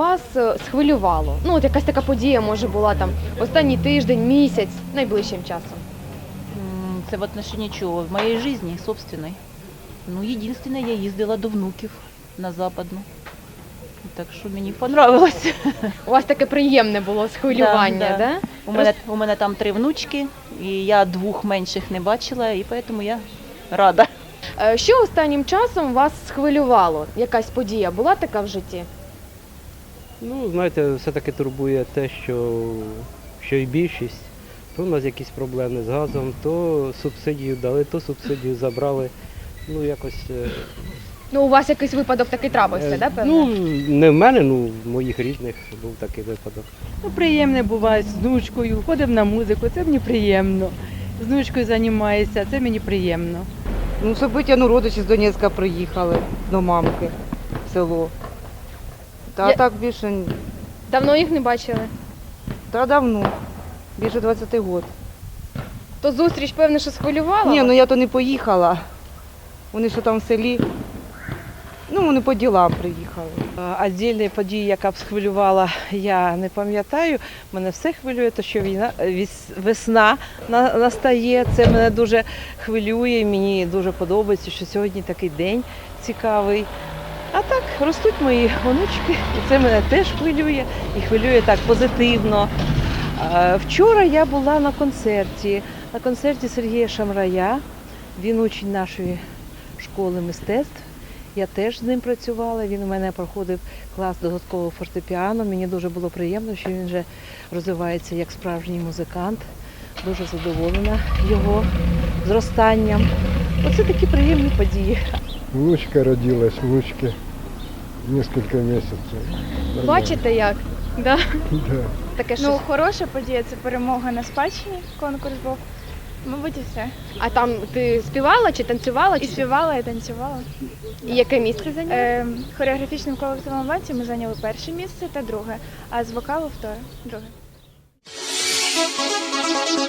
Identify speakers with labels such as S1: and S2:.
S1: вас схвилювало? Ну, от якась така подія, може, була там останній тиждень, місяць, найближчим часом.
S2: Це в отношении чого? В моїй житті, собственной. Ну, єдине, я їздила до внуків на Западну. Так що мені понравилось.
S1: У вас таке приємне було схвилювання, да?
S2: У мене там 3 внучки, і я 2 менших не бачила, і тому я рада.
S1: Що останнім часом вас схвилювало? Якась подія була така в житті?
S3: Ну, знаєте, все-таки турбує те, що і більшість. То у нас якісь проблеми з газом, то субсидію дали, то субсидію забрали. Ну, якось...
S1: Ну, у вас якийсь випадок такий трапився, да, певно?
S3: Ну, не в мене, ну, в моїх рідних був такий випадок.
S4: Ну, приємне буває з внучкою, ходимо на музику, це мені приємно. З внучкою займаюся, це мені приємно.
S5: Ну, собиття, ну, родичі з Донецька приїхали до мамки в село. Та так більше,
S1: Давно їх не бачили?
S5: та давно, більше 20 років.
S1: То зустріч, певно, що схвилювала
S5: Ні,
S1: вас?
S5: ну я то не поїхала. Вони що там в селі, ну, вони по ділам приїхали.
S4: Отдільної події, яка б схвилювала, я не пам'ятаю. Мене все хвилює, то що весна настає. Це мене дуже хвилює, мені дуже подобається, що сьогодні такий день цікавий. А так, ростуть мої онучки, і це мене теж хвилює, і хвилює так позитивно. Вчора я була на концерті Сергія Шамрая. Він учень нашої школи мистецтв. Я теж з ним працювала, він у мене проходив клас додаткового фортепіано. Мені дуже було приємно, що він вже розвивається як справжній музикант. Дуже задоволена його зростанням. Оце такі приємні події.
S6: Внучка родилась, внучке несколько месяцев. Нормально.
S1: Бачите як? Да?
S6: Да.
S1: Таке
S7: Ну,
S1: щось.
S7: хороша подія, це перемога на спадщині, конкурс був. Мабуть, і все.
S1: А там ти співала чи танцювала?
S7: І співала, і танцювала.
S1: І яке місце зайняла?
S7: Хореографічним колективом «Аванті» ми зайняли перше місце та друге, а з вокалу друге.